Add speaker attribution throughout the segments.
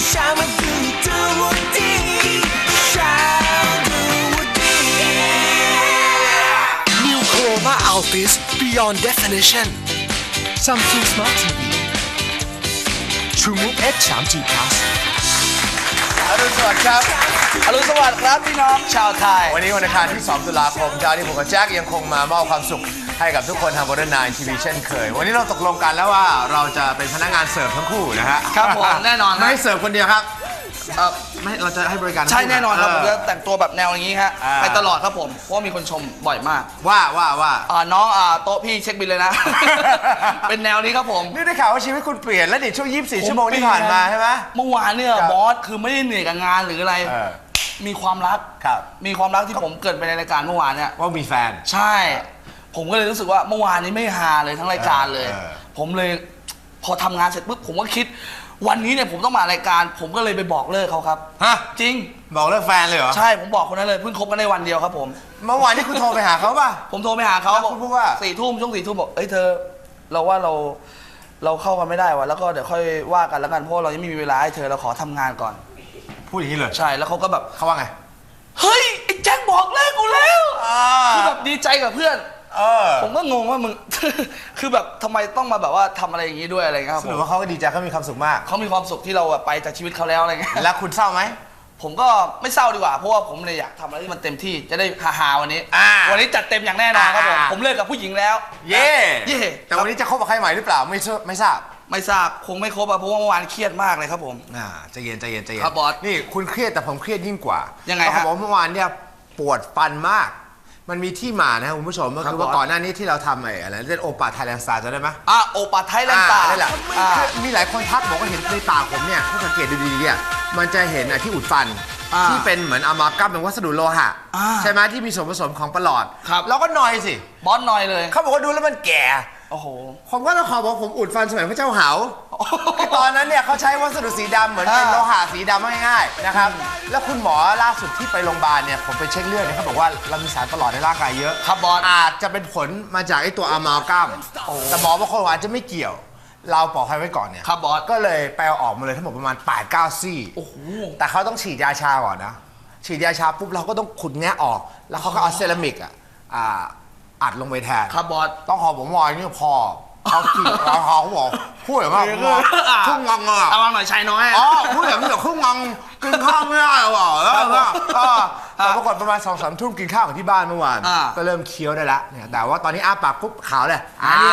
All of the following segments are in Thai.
Speaker 1: Shama do woody, shama do woody. New Chroma Altis Beyond Definition. Samsung Smart TV. TrueMove X 3G Plus.
Speaker 2: อรุณสวัสดิ์ครับ
Speaker 3: อรุณสวัสดิ์ครับพี่น้องชาวไทย
Speaker 2: วันนี้วันอังคารที่ 2 ตุลาคมเช้านี้ผมกับแจ็คยังคงมามอบความสุขให้กับทุกคนทาง Modern 9 TV เช่นเคย วันนี้เราตกลงกันแล้วว่าเราจะเป็นพนักงานเสิร์ฟทั้งคู่นะฮะ
Speaker 3: ครับผมแน่นอนครับ
Speaker 2: ไม่ให้เสิร์ฟคนเดียวครับไม่เราจะให้บริการทั้ง
Speaker 3: ใช่
Speaker 2: คู่
Speaker 3: แน่นอนครับ
Speaker 2: เ
Speaker 3: ผมจะแต่งตัวแบบแนวอย่างนี้ฮะ
Speaker 2: อ่า
Speaker 3: ไปตลอดครับผมเพราะว่ามีคนชมบ่อยมาก
Speaker 2: ว่า
Speaker 3: น้องโต๊ะพี่เช็คบิลเลยนะ เป็นแนวนี้ครับผม
Speaker 2: นี่ได้ข่าวว่าชีวิตคุณเปลี่ยนแล้วดิช่วง 24 ชั่วโมงที่ผ่านมาใช่ไหม
Speaker 3: เมื่อวานเนี่ย
Speaker 2: ครับ
Speaker 3: บอสคือไม่ได้เหนื่อยกับงานหรืออะไร
Speaker 2: เออ
Speaker 3: มีความรัก
Speaker 2: ครับ
Speaker 3: มีความรักที่ผมเกริดไปในรายการเมื่อวานเนี่ย
Speaker 2: ว่ามีแฟน
Speaker 3: ใช่ ผมก็เลยรู้สึกว่าเมื่อวานนี้ไม่ฮาเลยทั้งรายการเลย
Speaker 2: เออ
Speaker 3: ผมเลยพอทำงานเสร็จปุ๊บผมก็คิด วันนี้เนี่ยผมต้องมารายการ ผมก็เลยไปบอกเลิกเขาครับ
Speaker 2: ฮะ
Speaker 3: จริง
Speaker 2: บอกเลิกแฟนเลยเหรอ
Speaker 3: ใช่ผมบอกคนนั้นเลยเพิ่งคบกันได้วันเดียวครับผม
Speaker 2: เมื่อวานที่คุณโทรไปหาเขาป่ะ
Speaker 3: ผมโทรไปหาเขา
Speaker 2: แล้ว
Speaker 3: บอก
Speaker 2: คุณพูดว่า
Speaker 3: 4 ทุ่มช่วง4 ทุ่มบอกเอ้ยเธอเราว่าเราเข้ากันไม่ได้วะแล้วก็เดี๋ยวค่อยว่ากันแล้วกันเพราะเรายังไม่มีเวลาให้เธอเราขอทำงานก่อน
Speaker 2: พูดอย่างนี้เลย
Speaker 3: ใช่แล้วเขาก็แบบ
Speaker 2: เขาว่าไง
Speaker 3: เฮ้ยไอ้แจ็คบอกเลิกกูแล้ว
Speaker 2: อ่า
Speaker 3: คือแบบดีใจกับเพื่อน ผมก็งงว่ามึง คือแบบทำไมต้องมาแบบว่าทำอะไรอย่างนี้ด้วยอะไรเงี้ยครับ
Speaker 2: ส
Speaker 3: ผ
Speaker 2: รุป
Speaker 3: ม
Speaker 2: ว่าเขาก็ดีใจเขามีความสุขมาก
Speaker 3: เขามีความสุขที่เราแบบไปจากชีวิตเขาแล้วอะไรเงี้ย
Speaker 2: แล้วคุณเศร้าไหม
Speaker 3: ผมก็ไม่เศร้าดีกว่าเพราะว่าผมเลยอยากทำอะไรที่มันเต็มที่จะได้ฮาๆวันนี้
Speaker 2: อ่า
Speaker 3: วันนี้จัดเต็มอย่างแน่นอนครับผม
Speaker 2: อ่า
Speaker 3: ผมเลิกกับผู้หญิงแล้ว
Speaker 2: เย่
Speaker 3: เย่
Speaker 2: แต่วันนี้จะคบกับใครใหม่หรือเปล่าไม่ทราบ
Speaker 3: ไม่ทราบคงไม่ครบอะเพราะว่าเมื่อวานเครียดมากเลยครับผม
Speaker 2: ใจเย็น
Speaker 3: ครับบอส
Speaker 2: นี่คุณเครียดแต่ผมเครียดยิ่งกว่า
Speaker 3: ยังไง
Speaker 2: เขา
Speaker 3: ฮะ
Speaker 2: บอกว่าเมื่อวานเนี่ยปวดฟันมาก มันมีที่มานะครับคุณผู้ชมก็
Speaker 3: ครั
Speaker 2: คื
Speaker 3: บ
Speaker 2: อว่า
Speaker 3: บอส
Speaker 2: ก่อนหน้านี้ที่เราทำอะไรเล่นโอปาไทยแลนด์สตาร์จำได้ไหม
Speaker 3: โอปาไทยแลนด์ตา
Speaker 2: นั่นแหละคือมีหลายคนทักบอกว่าเห็นในปากผมเนี่ยถ้าสังเกตดูดีๆเนี่ยมันจะเห็นที่อุดฟันที่เป็นเหมือนอะมากัมเป็นวัสดุโลหะใช่ไหมที่มีส่วนผสมของประหลอด
Speaker 3: ครับ
Speaker 2: เราก็นอยสิ
Speaker 3: บอสหน่อยเลย
Speaker 2: เขาบอกว่าดูแล้วมันแก่
Speaker 3: โอ้โห
Speaker 2: ผมก็ต้องขอบอกผมอุดฟันสมัยพระเจ้าเหาคือตอนนั้นเนี่ยเขาใช้วัสดุสีดำเหมือนเป็นโลหะสีดำง่ายๆนะครับแล้วคุณหมอล่าสุดที่ไปโรงพยาบาลเนี่ยผมไปเช็คเลือดเนี่ยเขาบอกว่าเรามีสารประหลอดในร่างกายเยอะ
Speaker 3: ครับบอส
Speaker 2: อาจจะเป็นผลมาจากไอ้ตัวอะมากัมแต่หมอบางคนอาจจะไม่เกี่ยว เราปลอดภัยไว้ก่อนเนี่ย
Speaker 3: ครับบอส
Speaker 2: ก็เลยไปเอาออกมาเลยทั้งหมดประมาณ 8-9 ซี่
Speaker 3: โอ้โห
Speaker 2: แต่เขาต้องฉีดยาชาก่อนนะฉีดยาชาปุ๊บเราก็ต้องขุดแงะออก แล้วเขาก็เอาเซรามิกอัดลงไปแทน
Speaker 3: ครับบอส
Speaker 2: ต้องขอผมวอยนี่พอเขาขี่เขาบอกพูดแบบว่าทุ่งงังอ่ะ
Speaker 3: เอามาหน่อยชายน้อย
Speaker 2: อ๋อพูดแบบนี้แบบทุ่งงังกินข้าวไม่ได้หรอแล้วแต่ปรากฏประมาณ2-3 ทุ่มกินข้าวของที่บ้านเมื่อวานก็เริ่มเคี้ยวได้ละเนี่ยแต่ว่าตอนนี้อ้าปากปุ๊บขาวเลย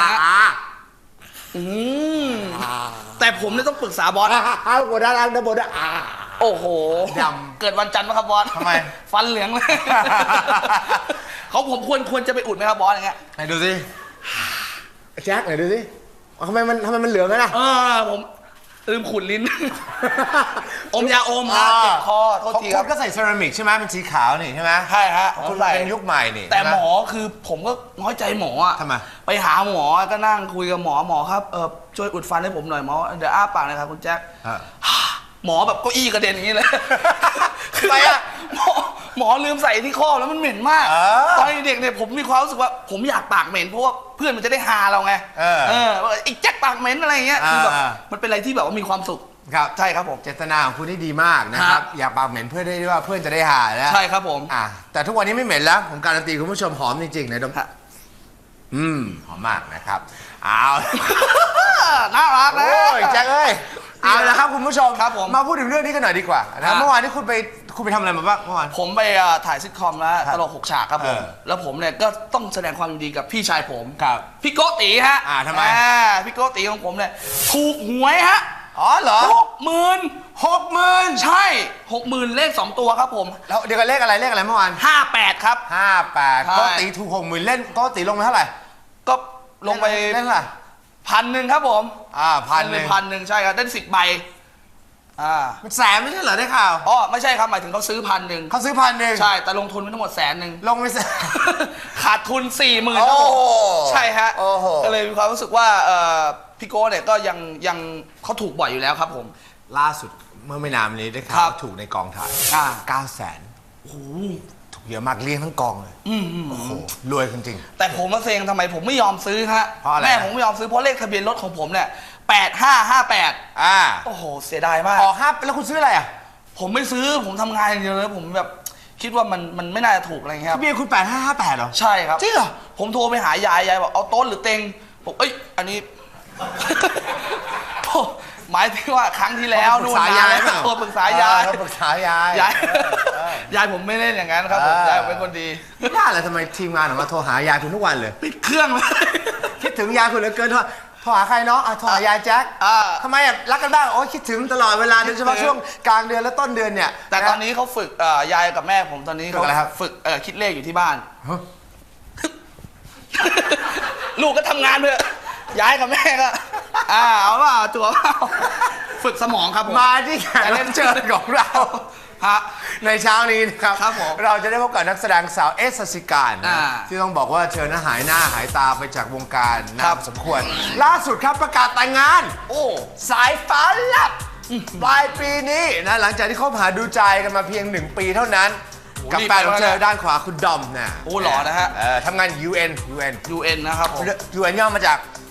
Speaker 3: แต่ผมเนี่ยต้องปรึกษาบอส
Speaker 2: บนด้านล่างด้านบนด้าน
Speaker 3: โอ้โห
Speaker 2: ด
Speaker 3: เกิดวันจันทร์ไหมครับบอส
Speaker 2: ทำไม
Speaker 3: ฟันเหลืองเลย ผมควรจะไปอุดไหมครับบอสอย่างเงี้ย
Speaker 2: ไหนดูสิแจ็คไหนดูสิทำไมมันเหลืองกันนะ
Speaker 3: ผมลืมขุดลิ้น อมยาอมฮะเจ็บคอโทษทีครับ
Speaker 2: ก็ใส่เซรามิกใช่ไหมเป็นสีขาวนี่ใช่ไหม
Speaker 3: ใช่ฮะ
Speaker 2: คุณเป็นยุคใหม่นี่
Speaker 3: แต่หมอคือผมก็น้อยใจหมออะ
Speaker 2: ทำไม
Speaker 3: ไปหาหมอก็นั่งคุยกับหมอครับช่วยอุดฟันให้ผมหน่อยหมอเดี๋ยวอ้าปากหน่อยครับคุณแจ็คหมอแบบเก้าอี้กระเด็นอย่างนี้เลย
Speaker 2: ทำไมอะ
Speaker 3: หมอลืมใส่ที่ข้อแล้วมันเหม็นมากตอนเด็กเนี่ยผมมีความรู้สึกว่าผมอยากปากเหม็นเพราะว่าเพื่อนมันจะได้ฮาเราไงไอ้แจ็คปากเหม็นอะไรอย่างเงี้ยคือแบบมันเป็นอะไรที่แบบว่ามีความสุข
Speaker 2: ครับ
Speaker 3: ใช่ครับผม
Speaker 2: เจตนาของคุณนี่ดีมากนะครับอยากปากเหม็นเพื่อได้ว่าเพื่อนจะได้หาแล้ว
Speaker 3: ใช่ครับผม
Speaker 2: แต่ทุกวันนี้ไม่เหม็นแล้วผมการันตีคุณผู้ชมหอมจริงๆนะดมหอมมากนะครับเอา
Speaker 3: น่ารักนะ
Speaker 2: โอ้ยแจ็คเอ้ยเอาละครับคุณผู้ชม
Speaker 3: ครับผม
Speaker 2: มาพูดถึงเรื่องนี้กันหน่อยดีกว่านะเมื่อวานนี้คุณไปทำอะไรมาบ้างเมื่อวาน
Speaker 3: ผมไปถ่ายซิทคอมแล้วตลก6 ฉากครับผม
Speaker 2: เออ
Speaker 3: แล้วผมเนี่ยก็ต้องแสดงความยินดีกับพี่ชายผม
Speaker 2: ครับ
Speaker 3: พี่โกติฮะ
Speaker 2: ทำไม
Speaker 3: พี่โกติของผมเนี่ยถูกหวยฮะ
Speaker 2: อ๋อเหรอ
Speaker 3: 60,000ใช่ 60,000เลข2 ตัวครับผม
Speaker 2: แล้วเดี๋ยวกันเลขอะไรเมื่อวาน
Speaker 3: 58ครับ
Speaker 2: 58
Speaker 3: ใช่
Speaker 2: ก็ตีถูก60,000เล่นก็ตีลงไปเท่าไหร่
Speaker 3: ก็ลงไป
Speaker 2: เล่นเท่าไหร่
Speaker 3: 1,000ครับผม
Speaker 2: 1,000
Speaker 3: 1,000ใช่ครับได้10 ใบ
Speaker 2: มันแสนไม่ใช่เหรอได้ข่าว
Speaker 3: อ๋อไม่ใช่ครับหมายถึงเขาซื้อ1,000
Speaker 2: เขาซื้อ1,000
Speaker 3: ใช่แต่ลงทุนไปทั้งหมด100,000
Speaker 2: ลงไปแสน
Speaker 3: ขาดทุน 40,000ครับผมใช่ฮะ
Speaker 2: โอ้โห
Speaker 3: ก็เลยมีความรู้สึกว่าพี่โก้เนี่ยก็ยังเขาถูกบ่อยอยู่แล้วครับผม
Speaker 2: ล่าสุดเมื่อไม่นานมานี้ได้ข่า
Speaker 3: ครั
Speaker 2: ว
Speaker 3: บ
Speaker 2: ถูกในกองถ่าย 900,000
Speaker 3: โอ้โห
Speaker 2: ถูกเยอะมากเลี้ยงทั้งกองเลยโอ้โหรวยจริง
Speaker 3: แต่ผมมาเซ็งทำไมผมไม่ยอมซื้อฮะ
Speaker 2: เพราะอะไร
Speaker 3: แม่ผมไม่ยอมซื้อเพราะเลขทะเบียนรถของผมเนี่ย 8558โอ้โหเสียดายมาก
Speaker 2: ออกห้าแล้วคุณซื้ออะไรอ่ะ
Speaker 3: ผมไม่ซื้อผมทำงานอย่างเดียวเลยผมแบบคิดว่ามันไม่น่าจะถูกอะไรเงี้ยครับ
Speaker 2: เบียร์คุณ8558เหรอ
Speaker 3: ใช่ครับ
Speaker 2: จริงเหรอ
Speaker 3: ผมโทรไปหายายบอกเอาโต๊ะหรือเต็งผมอันนี้ หมายถึงว่าครั้งที่แล้วนู่นนานแล้วโทรปรึกษายาย
Speaker 2: ปรึกษายาย
Speaker 3: ยายผมไม่เล่นอย่างนั้นครับผมยายผมเป็นคนดี
Speaker 2: ไม่ได้เลยทำไมทีมงานออกมาโทรหายายคุณทุกวันเลย
Speaker 3: ปิดเครื่องเลย
Speaker 2: คิดถึงยายคุณเหลือเกินโทรหาใครเนาะโทรหายายแจ็คทำไมรักกันบ้างโอ้คิดถึงตลอดเวลาโดยเฉพาะช่วงกลางเดือนและต้นเดือนเนี่ย
Speaker 3: แต่ตอนนี้เขาฝึกยายกับแม่ผมตอนนี้เขาฝึกคิดเลขอยู่ที่บ้าน ลูกก็ทำงานด้วยยายกับแม่ก็เอาว่าจั่วฝึกสมองครับผม
Speaker 2: มาที่แขกรับเชิญของเราในเช้านี้นะครับ
Speaker 3: ครับผม
Speaker 2: เราจะได้พบกับนักแสดงสาวเอสสสิการนะที่ต้องบอกว่าเธอน่ะหายหน้าหายตาไปจากวงการนานสมควร ล่าสุดครับประกาศแต่งงาน
Speaker 3: โอ้
Speaker 2: สายฟ้าลับปลายปีนี้นะหลังจากที่คบหาดูใจกันมาเพียง1 ปีเท่านั้น กับแฟนของเธอด้านขวาคุณดอมนะ
Speaker 3: โอ้หล่อนะฮะ
Speaker 2: ทำงาน UN
Speaker 3: UN นะครับผม
Speaker 2: UN ย่อมาจาก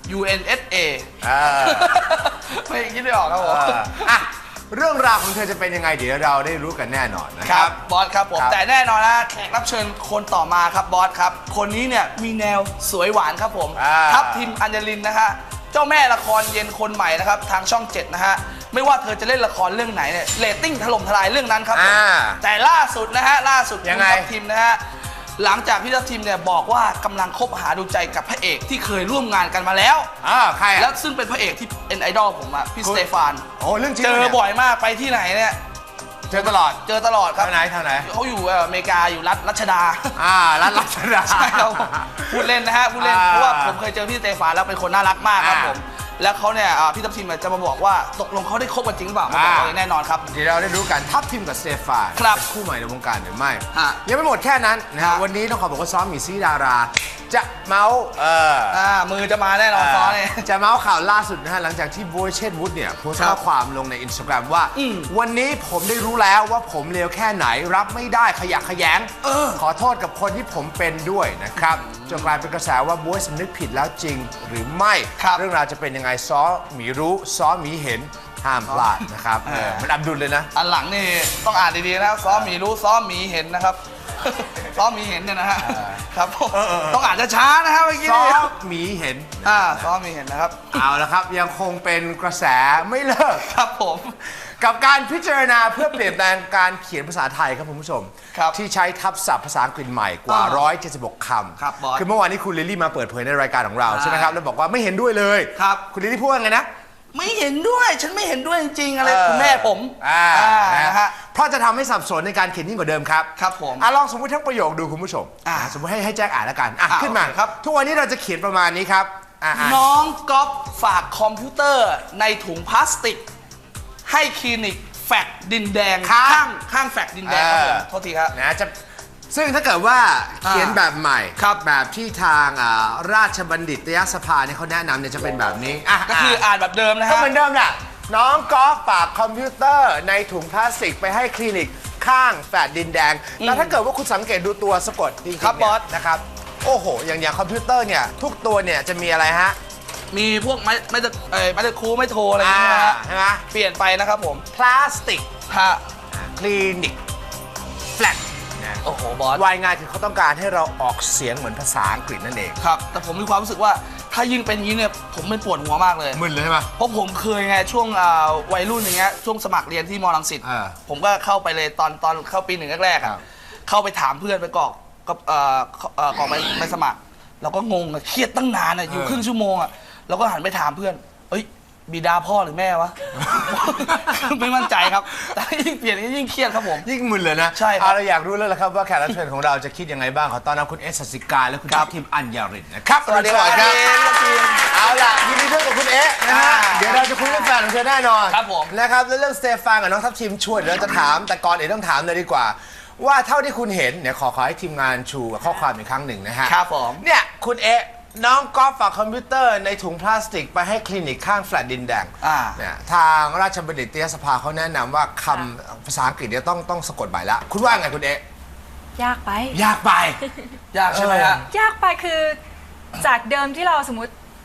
Speaker 3: UNSA ไม่คิดไม่ออกครับผม
Speaker 2: เรื่องราวของเธอจะเป็นยังไงเดี๋ยวเราได้รู้กันแน่นอนนะ
Speaker 3: ค
Speaker 2: ค
Speaker 3: รั
Speaker 2: รั
Speaker 3: บบ อสครับผมแต่แน่นอนนะแขกรับเชิญคนต่อมาครับบอสครับคนนี้เนี่ยมีแนวสวยหวานครับผมทัพทิมอัญญลินนะฮะเจ้าแม่ละครเย็นคนใหม่นะครับทางช่อง 7นะฮะไม่ว่าเธอจะเล่นละครเรื่องไหนเนี่ยเรตติ้งถล่มทลายเรื่องนั้นครับผมแต่ล่าสุดนะฮะล่าสุดคุณทัพทิมนะฮะหลังจากพี่ทัพทิมเนี่ยบอกว่ากำลังคบหาดูใจกับพระเอกที่เคยร่วมงานกันมาแล้ว
Speaker 2: ใคร
Speaker 3: แล้วซึ่งเป็นพระเอกที่เป็นไอดอลผมอะพี่สเตฟาน
Speaker 2: โอ้เรื่องจริง
Speaker 3: เจอบ่อยมากไปที่ไหนเนี่ย
Speaker 2: เจอตลอด
Speaker 3: ครับ
Speaker 2: ทางไหน
Speaker 3: เขาอยู่อเมริกาอยู่รัชดา
Speaker 2: รัชดา
Speaker 3: ใช่ครับพูดเล่นนะฮะพูดเล่นเพราะว่าผมเคยเจอพี่สเตฟานแล้วเป็นคนน่ารักมากครับผมแล้วเขาเนี่ยพี่ทัพทิมจะมาบอกว่าตกลงเขาได้คบกันจริงหรือเปล่ามาบอกเลยแน่นอนครับ
Speaker 2: เดี๋ยวเราได้รู้กันทัพทิมกับสเตฟานเป็นคู่ใหม่ในวงการหรือไม่ยังไม่หมดแค่นั้นนะวันนี้ต้องขอบอกว่าซ้อมมีซีดาราจะเมาส์
Speaker 3: มือจะมาแน่นอนซ้อเนี่ย
Speaker 2: จะเมาส์ข่าวล่าสุดนะฮะหลังจากที่โบยเชษวุฒิเนี่ยโพสต์ข้อความลงใน Instagram ว่าวันนี้ผมได้รู้แล้วว่าผมเลวแค่ไหนรับไม่ได้ขยะแขยงขอโทษกับคนที่ผมเป็นด้วยนะครับจนกลายเป็นกระแสว่าโบยสำนึกผิดแล้วจริงหรือไม่เรื่องราวจะเป็นยังไงซ้อหมีรู้ซ้อหมีเห็นห้ามพลาดนะครับมันอับดุลเลยนะ
Speaker 3: อันหลังนี่ต้องอ่านดีๆนะซ้อหมีรู้ซ้อหมีเห็นนะครับซ้อหมีเห็นเนี่ยนะฮะครับต้องอ่านช้าๆนะครับเมื่อกี้
Speaker 2: ซ้อหมีเห็น
Speaker 3: ซ้อหมีเห็นนะครับ
Speaker 2: เอาละครับยังคงเป็นกระแสไม่เลิก
Speaker 3: ครับผม
Speaker 2: กับการพิจารณาเพื่อเปลี่ยนแปลงการเขียนภาษาไทยครับคุณผู้ชมที่ใช้ทับศัพท์ภาษาอังกฤษใหม่กว่า176 คำคือเมื่อวานนี้คุณลิลลี่มาเปิดเผยในรายการของเราใช่ไหมครับแล้วบอกว่าไม่เห็นด้วยเลยคุณลิลลี่พูดว่าไงนะ
Speaker 3: ไม่เห็นด้วยฉันไม่เห็นด้วยจริงๆอะไรคุณแม่ผม
Speaker 2: นะฮะเพราะจะทำให้สับสนในการเขียนยิ่งกว่าเดิมครับ
Speaker 3: ครับผม
Speaker 2: ลองสมมติทั้งประโยคดูคุณผู้ชมสมมติให้แจ็คอ่านแล้วกันขึ้นมาครับทุกวันนี้เราจะเขียนประมาณนี้ครับ
Speaker 3: น้องก๊อฟฝากคอมพิวเตอร์ในถุงพลาสติกให้คลินิกแฟกดินแดงข้างแฟกดินแดงครับผมโทษทีครับ
Speaker 2: นะจะซึ่งถ้าเกิดว่าเขียนแบบใหม่แบบที่ทางราชบัณฑิตยสภาเนี่ยเขาแนะนำเนี่ยจะเป็นแบบนี้
Speaker 3: ก็คืออ่านแบบเดิมนะฮะ
Speaker 2: ก็เหมือนเดิมแหละน้องก๊อฟฝากคอมพิวเตอร์ในถุงพลาสติกไปให้คลินิกข้างแฟลตดินแดงแล้วถ้าเกิดว่าคุณสังเกตดูตัวสะกดจริงๆเนี่ยนะครับโอ้โหอย่างคอมพิวเตอร์เนี่ยทุกตัวเนี่ยจะมีอะไรฮะ
Speaker 3: มีพวกไม่ตะคูไม่โทรอะไรอย่างเงี้ย
Speaker 2: ใช่ไหม
Speaker 3: เปลี่ยนไปนะครับผม
Speaker 2: พลาสติกคลินิกแฟลต
Speaker 3: โอ้โหบอส
Speaker 2: วายง่ายคือเขาต้องการให้เราออกเสียงเหมือนภาษาอังกฤษนั่นเอง
Speaker 3: ครับแต่ผมมีความรู้สึกว่าถ้ายิ่งเป็นอย่างนี้เนี่ยผมไม่ปวดหัวมากเลย
Speaker 2: มึนเลยใช่ไหม
Speaker 3: เพราะผมเคยไงช่วงวัยรุ่นอย่างเงี้ยช่วงสมัครเรียนที่มอรังสิตผมก็เข้าไปเลยตอนเข้าปี 1แรกๆเข้าไปถามเพื่อนไปกรอกไปสมัครเราก็งงเครียดตั้งนานอยู่ครึ่งชั่วโมงเราก็หันไปถามเพื่อนเอ้ยบิดาพ่อหรือแม่วะ ไม่มั่นใจครับแต่ยิ่งเปลี่ยนยิ่งเครียดครับผม
Speaker 2: ยิ่งมึนเลยนะ
Speaker 3: ใช่ครับ
Speaker 2: เราอยากรู้แล้วละครับว่าแขกรับเชิญของเราจะคิดยังไงบ้างขอต้อนรับคุณเอสสิการและคุณทัพทิมอัญญรินนะครับ
Speaker 3: สวัสดีครับ
Speaker 2: เอาล่ะยินดีด้วยกับคุณเอนะฮะเดี๋ยวเราจะคุยเรื่องแฟนของเธอแน่นอน
Speaker 3: ครับผม
Speaker 2: นะครับแล้วเรื่องสเตฟานกับน้องทัพทิมช่วยเดี๋ยวเราจะถามแต่ก่อนอื่นต้องถามเลยดีกว่าว่าเท่าที่คุณเห็นเนี่ยขอให้ทีมงานชูข้อความอีกครั้งหนึ่งนะฮะ
Speaker 3: ครับผม
Speaker 2: เนี่ยคุณเอน้องก๊อฟฝากคอมพิวเตอร์ในถุงพลาสติกไปให้คลินิกข้างแฟลตดินแดงเนี่ยทางราชบัณฑิตยสภาเขาแนะนำว่าคำภาษาอังกฤษเนี่ยต้องสะกดใหม่ละคุณว่าไงคุณเ
Speaker 4: ยากไป
Speaker 2: ยากไป
Speaker 3: ยากใช่ไหมฮะ
Speaker 4: ยากไปคือจากเดิมที่เราสมมติ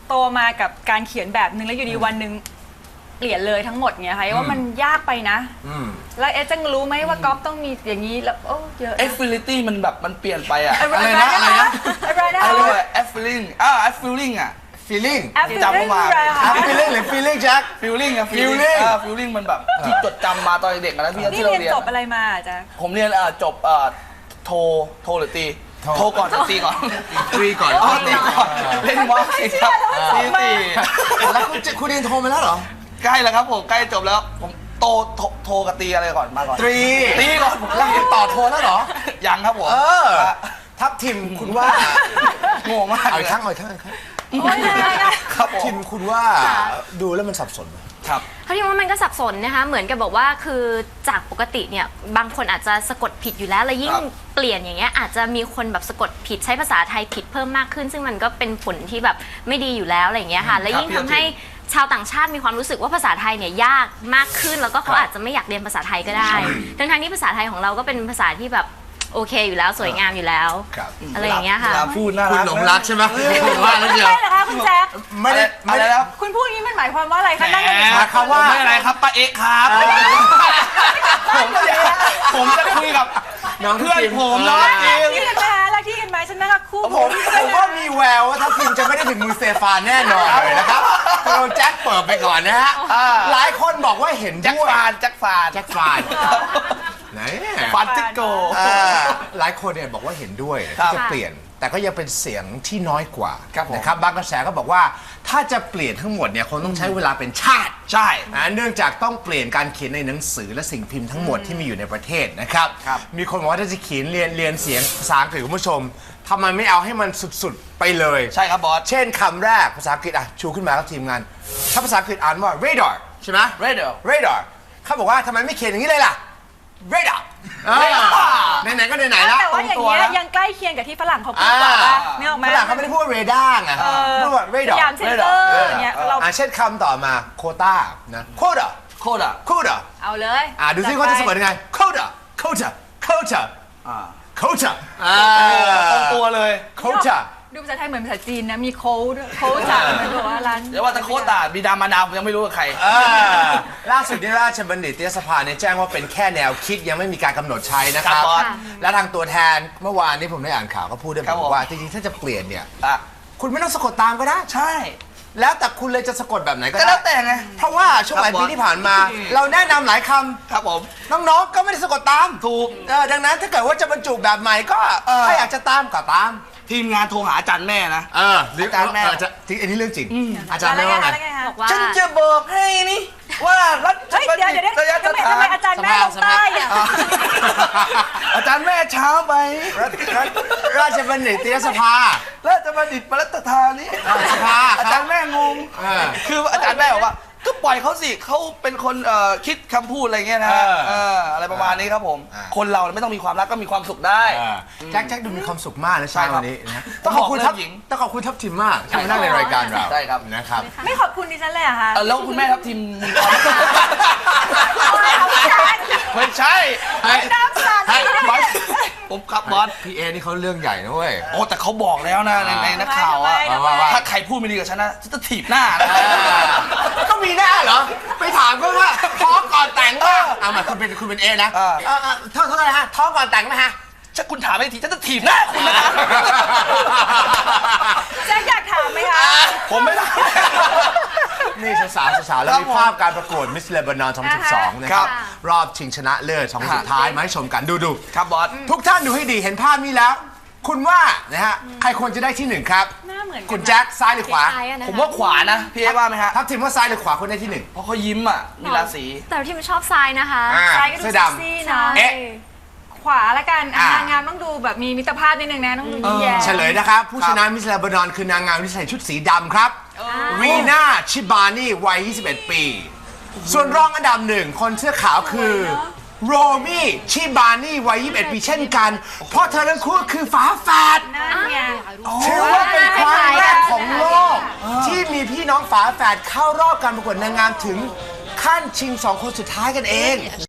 Speaker 4: โตมากับการเขียนแบบนึงแล้วอยู่ดีวันหนึ่งเปลี่ยนเลยทั้งหมดเงี้ยค่ะว่ามันยากไปนะแล้วจะรู้ไหมว่าก๊อฟต้องมีอย่างนี้แล้วโอ้เยอะ
Speaker 3: ability มันแบบมันเปลี่ยนไปอะ
Speaker 4: อะไรนะอะไรนะ
Speaker 3: อะไรวะ feeling feeling อะ
Speaker 2: feeling
Speaker 3: จำมา
Speaker 2: feeling หรือ feeling แจ็ค
Speaker 3: feeling อะ
Speaker 2: feeling
Speaker 3: feeling มันแบบที่จดจำมาตอนเด็กนะพี่
Speaker 4: นี่
Speaker 3: ที่เรา
Speaker 4: เรียน
Speaker 3: เรียน
Speaker 4: จบอะไรมาจ๊ะ
Speaker 3: ผมเรียนจบโทหรือตีโทก่อนตีก่อน
Speaker 2: ตรีก่อน
Speaker 3: ตีก่อนเล่นมอสสิครับตีตี
Speaker 2: แล้วคุณเรียนโทมาแล้วเหรอ
Speaker 3: ใกล้แล้วครับผมใกล้จบแล้วผมโทกับตีอะไรก่อนมาก่อน
Speaker 2: ตรี
Speaker 3: ตีก่อนผม
Speaker 2: แล้วเรียนต่อโทแล้วเหรอ
Speaker 3: ยังครับผม
Speaker 2: ทัพทิมคุณว่า
Speaker 3: งงมาก
Speaker 2: เอาอีกครั้งครับทิมคุณว่าดูแล้วมันสับสนไหม
Speaker 3: ครับ
Speaker 5: เขาคิดว่ามันก็สับสนนะคะเหมือนกับบอกว่าคือจากปกติเนี่ยบางคนอาจจะสะกดผิดอยู่แล้วแล้วยิ่งเปลี่ยนอย่างเงี้ยอาจจะมีคนแบบสะกดผิดใช้ภาษาไทยผิดเพิ่มมากขึ้น ซึ่งมันก็เป็นผลที่แบบไม่ดีอยู่แล้วอะไรอย่างเงี้ยค่ะและยิ่งทำให้ชาวต่างชาติมีความรู้สึกว่าภาษาไทยเนี่ยยากมากขึ้นแล้วก็เขาอาจจะไม่อยากเรียนภาษาไทยก็ได้ทั้งที่ภาษาไทยของเราก็เป็นภาษาที่แบบโอเคอยู่แล้วสวยงามอยู่แล้วอะไรอย่างเงี้ยค่ะ
Speaker 3: พูดน่ารัก
Speaker 2: คุณหลงรักใช่ไหมว่าแล้วเดียว
Speaker 4: ใช่เหรอคะคุณแจ๊ค
Speaker 2: ไม่ได้
Speaker 3: อะไรแล้ว
Speaker 4: คุณพูดอย่างนี้มันหมายความว่าอะไรคะนั่ง
Speaker 3: คำว่าไม่อะไรครับป้าเอ๊ะครับผมจะคุยกับเพื่อนผมน้องจิม
Speaker 4: ที่กันไหมคะรักที่กันไหมฉันนะคะคู่
Speaker 2: ผมว่ามีแววว่าทัพทิมจะไม่ได้ถึงมือเซฟานแน่นอนเลยนะครับเราแจ็คเปิดไปก่อนนะฮะหลายคนบอกว่าเห็น
Speaker 3: แจ็ค
Speaker 2: ด้วย
Speaker 3: ฟานแจ็คฟาน
Speaker 2: แจ็คฟานไหน
Speaker 3: ฟานติโก
Speaker 2: หลายคนเนี่ยบอกว่าเห็นด้วย
Speaker 3: ครั
Speaker 2: ที่
Speaker 3: บ
Speaker 2: จะเปลี่ยน แต่ก็ยังเป็นเสียงที่น้อยกว่า
Speaker 3: ครับผม
Speaker 2: นะครับบางกระแสก็บอกว่าถ้าจะเปลี่ยนทั้งหมดเนี่ยคงต้องใช้เวลาเป็นชาติ
Speaker 3: ใช่
Speaker 2: เนื่องจากต้องเปลี่ยนการเขียนในหนังสือและสิ่งพิมพ์ทั้งหมดที่มีอยู่ในประเทศนะครับ
Speaker 3: ครับ
Speaker 2: มีคนบอกว่าถ้าจะเขียนเรียนเสียงภาษาอังกฤษคุณผู้ชมทำไมไม่เอาให้มันสุดๆไปเลย
Speaker 3: ใช่ครับบอส
Speaker 2: เช่นคำแรกภาษาอังกฤษชูขึ้นมาครับทีมงาน ถ้าภาษาอังกฤษอ่านว่า radar ใช่ไหม
Speaker 3: radar
Speaker 2: radar เขาบอกว่าทำไมไม่เขียนอย่างนี้เลยล่ะ radar ไหนๆก็ไหนๆแล้ว
Speaker 4: แต่ว่าอย่างเงี้ยยังใกล้เคียงกับที่ฝรั่งเขาพูดกว่าป่ะไม่ออกไหม
Speaker 2: ฝรั่งเขาไม่ได้พูดว่า radar ไงพูดว่า
Speaker 4: พ
Speaker 2: radar
Speaker 4: ยายามเซนเตอร์อย่างเงี้ยเรา
Speaker 2: เช่นคำต่อมา quota นะ quota
Speaker 3: โคตรอ่ะ
Speaker 2: quota
Speaker 4: เอาเลย
Speaker 2: ดูซิเขาจะสะกดยังไง quota quota quota quota
Speaker 3: ตรงตัวเลย
Speaker 2: quota
Speaker 4: ดูภาษาไทยเหมือนภาษาจีนนะมีโค้ดจากเหมือนกับว่าร้าน
Speaker 3: เดี๋ยวว่าแต่โคตรบิดามารดาผมยังไม่รู้กับใคร
Speaker 2: ล่าสุดที่ราชบัณฑิตยสภาเนี่ยแจ้งว่าเป็นแค่แนวคิดยังไม่มีการกำหนดใช้นะครับ
Speaker 3: ครับบอส
Speaker 2: และทางตัวแทนเมื่อวานนี้ผมได้อ่านข่าวก็พูดด้วย
Speaker 3: ครับ
Speaker 2: บอกว่าจริงๆถ้าจะเปลี่ยนเนี่ย
Speaker 3: อ่ะ
Speaker 2: คุณไม่ต้องสะกดตามก็ได้
Speaker 3: ใช่
Speaker 2: แล้วแต่คุณเลยจะสะกดแบบไหนก็
Speaker 3: ก็
Speaker 2: ได้
Speaker 3: แล้วแต่ไง
Speaker 2: เพราะว่าช่วงหลายปีที่ผ่านมา เราแนะนำหลายคำ
Speaker 3: ครับผม
Speaker 2: น้องๆก็ไม่ได้สะกดตาม
Speaker 3: ถูก
Speaker 2: ดังนั้นถ้าเกิดว่าจะบรรจุแบบใหม่ก็ถ้าอยากจะตามก็ตาม
Speaker 3: ทีมงานโทรหาอาจารย์แม่นะ
Speaker 2: อาจารย์แม่อันนี้เรื่องจริงอาจารย์แม่ว่าไง
Speaker 5: บอกว่า
Speaker 3: ฉันจะบอกให้นี่ว่ารัฐ
Speaker 4: เฮ้ยเดี๋ยวทำไมอาจารย์แม่ลงใต้อะ
Speaker 3: อาจารย์แม่เช้าไป
Speaker 2: ราชบัณฑิตยสภา
Speaker 3: แล้วจะมาดิดปรัตธานี้
Speaker 2: สภา
Speaker 3: อาจารย์แม่งง คืออาจารย์แม่บอกว่าก็ปล่อยเขาสิเขาเป็นคนคิดคำพูดอะไรเงี้ยนะอะไรประมาณนี้ครับผม คนเราไม่ต้องมีความรักก็มีความสุขได้
Speaker 2: แจ็คดูมีความสุขมากนะ
Speaker 3: ใช่
Speaker 2: เช้า
Speaker 3: ครับ
Speaker 2: วันนี้นะ
Speaker 3: ต้องขอบคุณ
Speaker 2: ทัพ
Speaker 3: หญิง
Speaker 2: ต้องขอบคุณทัพทิมมากที่มานั่งในรายการเรา
Speaker 3: ใช่ครับ
Speaker 2: นะครับ
Speaker 4: ไม่ขอบคุณดิฉันเลยเหรอะคะ
Speaker 3: แล้วคุณแม่ทัพทีมมีความไม่ใช่
Speaker 4: น้ำสั่น
Speaker 3: บอสผมครับบอส
Speaker 2: พี่เอนี่เขาเรื่องใหญ่นะเว้ย
Speaker 3: โอ้แต่เขาบอกแล้วนะในนักข่าวอะ
Speaker 2: ว่า
Speaker 3: ถ้าใครพูดไม่ดีกับฉันนะฉันจะถีบหน้านะ
Speaker 2: ก็มีหน้าเหรอ ไปถามก็ว่าท้องก่อนแต่งป่ะเอามาคุณเป็นเอนะเท่าไหร่ฮะท้องก่อนแต่งไหมฮะ
Speaker 3: ถ้าคุณถามไม่ทีฉันจะถีบหน้าคุณนะ
Speaker 4: แจ๊คอยากถามไหมคะ
Speaker 3: ผมไม่ได้
Speaker 2: นี่สาวๆแล้วมีภาพการประกวดมิสเลบานอน2012 นะครับ รอบชิงชนะเลิศ2สุดท้ายมาให้ชมกันดู
Speaker 3: ครับบอส
Speaker 2: ทุกท่านดูให้ดีเห็นภาพนี้แล้ว คุณว่านะฮะใครควรจะได้ที่หนึ่งครับ
Speaker 4: หน้าเหมือนกัน
Speaker 2: คุณแจ็คซ้ายหรือขวา
Speaker 3: ผมว่าขวานะพี่เอ๊ว่าไหมฮะ
Speaker 2: ทัพทิมว่าซ้ายหรือขวาคนได้ที่หนึ่ง
Speaker 3: เพราะเขายิ้มอ่ะมีราศี
Speaker 5: แต่ที่มันชอบทรายนะคะ
Speaker 4: ซ้ายก็ดู
Speaker 2: เสื้อ
Speaker 4: เซ็ก
Speaker 2: ดำ
Speaker 4: ซี่นะ
Speaker 2: เอ๊ะ
Speaker 4: ขวาละกันนางงามต้องดูแบบมีมิตรภาพนิดนึงนะต้องดูยิ้มแย้ม
Speaker 2: เฉลยนะครับ ผู้ชนะมิสเลบานอนคือนางงามที่ใส่ชุดสีดำครับรีน่าชิบานี่วัย 21 ปี ส่วนรองอันดับหนึ่งคนเสื้อขาวคือโรมี่ชิบานี่วัย 21 ปีเช่นกัน เพราะเธอทั้งคู่คือฝาแฝด
Speaker 4: นั่นไง
Speaker 2: ถือว่าเป็นครั้งแรกของโลก ที่มีพี่น้องฝาแฝดเข้ารอบการประกวดนางงามถึงขั้นชิง 2 คนสุดท้ายกันเอง